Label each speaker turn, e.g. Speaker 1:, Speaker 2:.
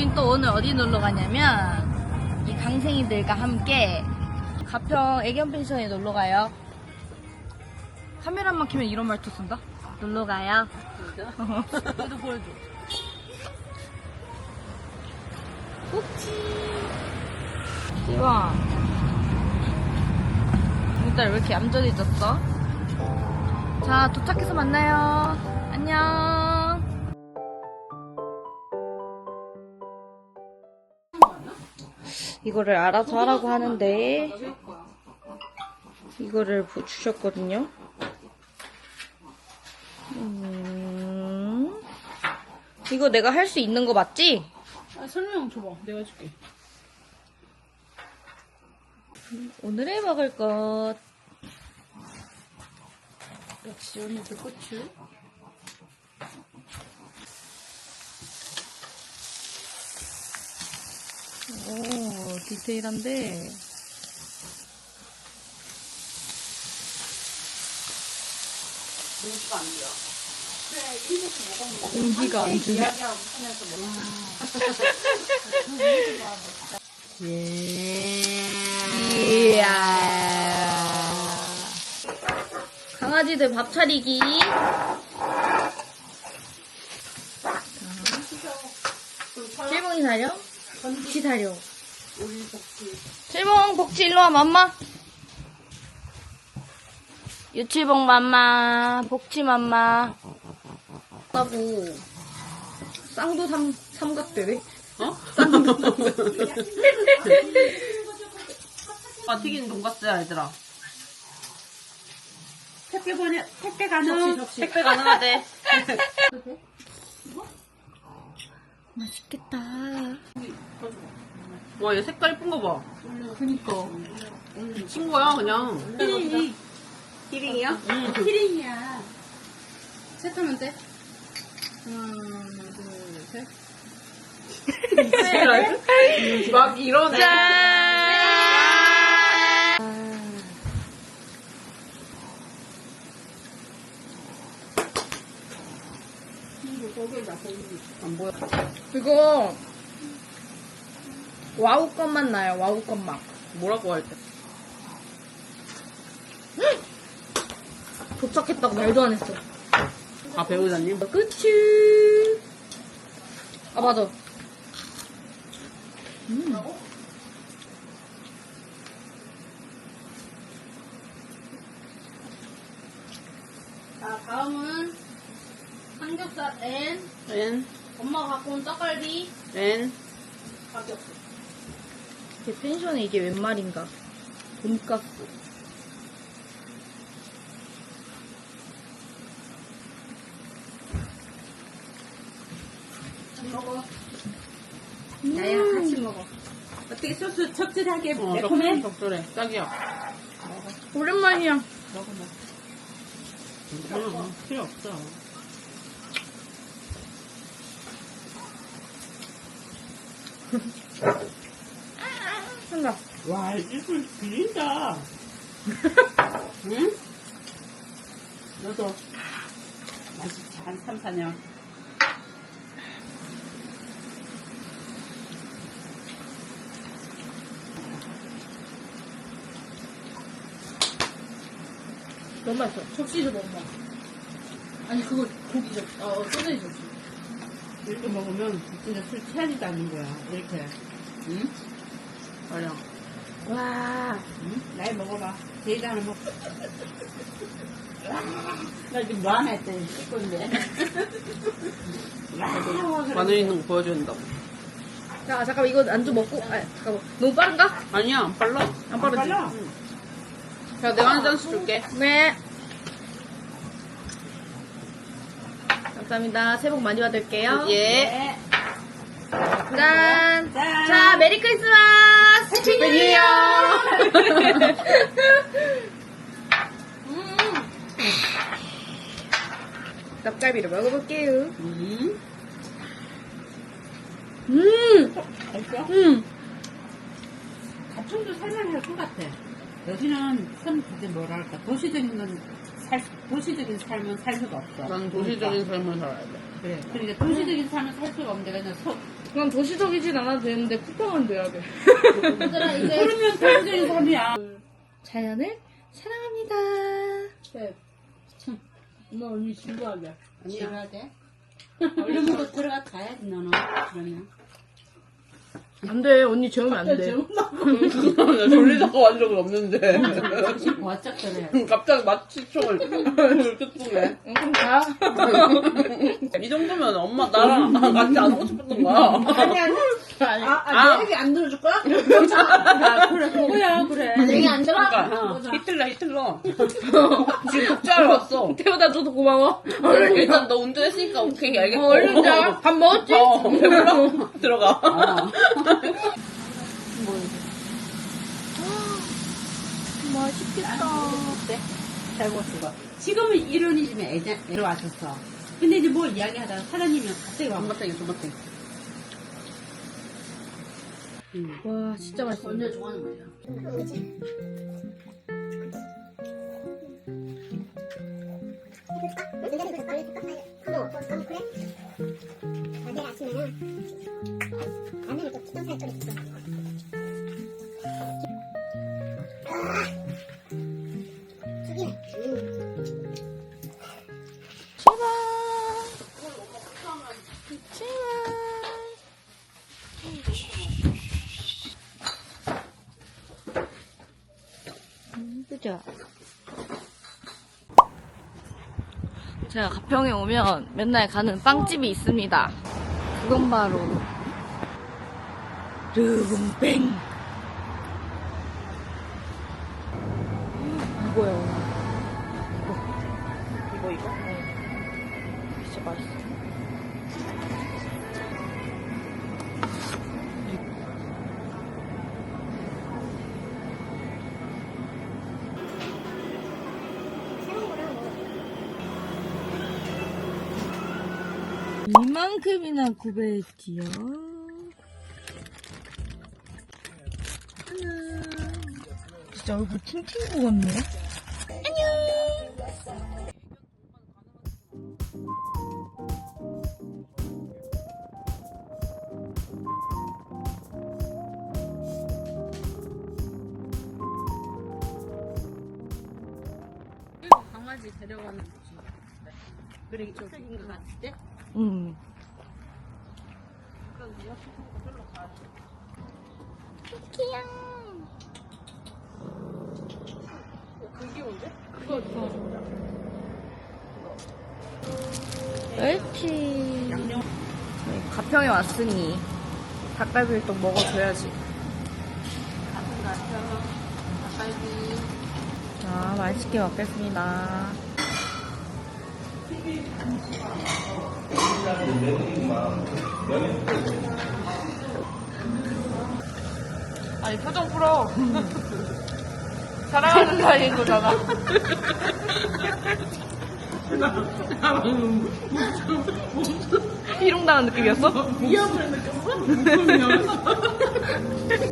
Speaker 1: 우린 또 오늘 어디 놀러 가냐면 이 강생이들과 함께 가평 애견 펜션에 놀러 가요. 카메라만 켜면 이런 말투 쓴다? 놀러 가요.
Speaker 2: 진짜?
Speaker 1: 얘도 보여줘. 꼭지. 지와. 우리 딸 왜 이렇게 얌전해졌어? 자, 도착해서 만나요. 안녕. 이거를 알아서 하라고 하는데 이거를 주셨거든요. 이거 내가 할 수 있는 거 맞지?
Speaker 2: 아, 설명 줘봐. 내가 해줄게.
Speaker 1: 오늘의 먹을 것.
Speaker 2: 역시 오늘도 고추.
Speaker 1: 오, 디테일한데.
Speaker 2: 공기가 안 돼요.
Speaker 1: 공기가 안 돼.
Speaker 2: 이야기하고 하면서
Speaker 1: 이야. 강아지들 밥 차리기. 칠봉이 사려? 복치 사려. 칠봉 복치 일로 와 맘마. 유칠봉 맘마, 복치 맘마. 하고 쌍도 삼각대네.
Speaker 2: 어? 아, 튀긴 돈가스야, 얘들아. 택배 가능.
Speaker 1: 접시.
Speaker 2: 택배 가능하대.
Speaker 1: 맛있겠다.
Speaker 2: 와, 얘 색깔 이쁜 거 봐.
Speaker 1: 그니까.
Speaker 2: 미친 거야, 그냥.
Speaker 3: 키링이요?
Speaker 2: 응.
Speaker 3: 키링이야. 셋하면 돼? 하나, 둘, 셋.
Speaker 2: 막 이러네.
Speaker 1: 짠!
Speaker 2: 안 보여.
Speaker 1: 이거 와우 것만 나요. 와우 것만.
Speaker 2: 뭐라고 할 때?
Speaker 1: 도착했다고 말도 안 했어.
Speaker 2: 아, 배우자님?
Speaker 1: 끝이. 아 맞아.
Speaker 3: 자, 다음은 삼겹살 N.
Speaker 2: 엔,
Speaker 3: 엄마가 갖고 온 떡갈비.
Speaker 2: 엔.
Speaker 3: 가격.
Speaker 1: 제 펜션에 이게 웬 말인가. 돈가스.
Speaker 3: 먹어. 나야 같이 먹어. 어떻게 소스 적절하게
Speaker 2: 매콤해? 적절해. 딱이야.
Speaker 1: 오랜만이야.
Speaker 2: 먹어. 필요 없어.
Speaker 1: 한다.
Speaker 2: 와, 입을 비린다. 응? 너도 맛있지. 한 3, 4년.
Speaker 1: 너무 맛있어. 접시 좀 먹어. 아니 그거 고기 접시. 소세지 접시.
Speaker 2: 이렇게 먹으면 진짜 술 취하지도 않는 거야. 이렇게. 응? 맞아.
Speaker 1: 와.
Speaker 2: 응? 나이 먹어봐. 제이도 하나 먹어. 나 지금 뭐 하나 했더니 찍고 있는데. 마늘 있는 거 보여줘야 된다고.
Speaker 1: 자 잠깐만 이거 안주 먹고. 아 잠깐만. 너무 빠른가?
Speaker 2: 아니야, 안 빨라.
Speaker 1: 안 빠르지?
Speaker 2: 응. 자, 내가 한 잔씩 줄게.
Speaker 1: 네. 감사합니다. 새해 복 많이 받을게요.
Speaker 2: 예.
Speaker 1: 짠.
Speaker 3: 짠.
Speaker 1: 자, 메리 크리스마스. 해피 뉴 이어. 닭갈비를 먹어볼게요.
Speaker 2: 맛있어?
Speaker 3: 가청도 살만할 것 같아. 여기는 좀 그게 뭐랄까 도시적인 건
Speaker 2: 도시적인 삶은 살 수가 없어.
Speaker 4: 난 도시적인 삶을 살아야 돼.
Speaker 2: 그래. 그러니까 도시적인 삶은 살 수가 없는데 그냥
Speaker 1: 그냥 도시적이진 않아도 되는데 쿠팡은 돼야 돼.
Speaker 3: 얘들아, 이제.
Speaker 2: 그러면 도시적인 삶이야.
Speaker 1: 자연을 사랑합니다.
Speaker 2: 네. 참, 엄마 언니 진부하게.
Speaker 3: 지어야 돼.
Speaker 2: 얼른 거 들어가 자야지 너는. 그러면.
Speaker 1: 안 돼. 언니 재우면 안 돼.
Speaker 4: 나 졸리다가 완 적은 없는데.
Speaker 2: 정신 바짝 차려.
Speaker 4: 갑자기 마취총을 이렇게 쏘네.
Speaker 1: 그럼 가.
Speaker 4: 이 정도면 엄마 나랑 같이 안 오고 싶었던 거야.
Speaker 2: 내 얘기 안 들어줄 거야? 아, 그래, 그거야, 그래.
Speaker 3: 얘기 안 들어?
Speaker 4: 그러니까 히틀러. 지금 독자하러 왔어.
Speaker 1: 태우다 줘도 고마워.
Speaker 4: 일단 너 운전했으니까 오케이 알겠고.
Speaker 1: 얼른 자. 밥 먹었지?
Speaker 4: 배불러? 들어가.
Speaker 1: 맛있겠다.
Speaker 2: 잘 먹었어. 지금은 이런이지만 애로 왔었어. 근데 이제 뭐 이야기하다가 사장님이 갑자기 와.
Speaker 4: 존맛탱이.
Speaker 1: 와, 진짜 맛있어.
Speaker 3: 언제 좋아하는 거야?
Speaker 5: 내일 아침에는 라면을 또 기존 살쪽에 있어. 죽이네.
Speaker 1: 그죠? 제가 가평에 오면 맨날 가는 빵집이 있습니다. 그건 바로 르붕뱅. 이거요. 이거? 네. 진짜 맛있어. 이만큼이나 구매했지요. 하나. 진짜 얼굴 팅팅 부었네. 안녕.
Speaker 3: 강아지 데려가는 거지.
Speaker 2: 그래, 저기인 것 같을 때?
Speaker 1: 응. 옳지. 저희 가평에 왔으니 닭갈비를 또 먹어줘야지. 자, 맛있게 먹겠습니다. 아니, 표정 풀어. 사랑하는 사이인 거잖아. 희롱당한 느낌이었어?
Speaker 2: 위험을 느꼈어?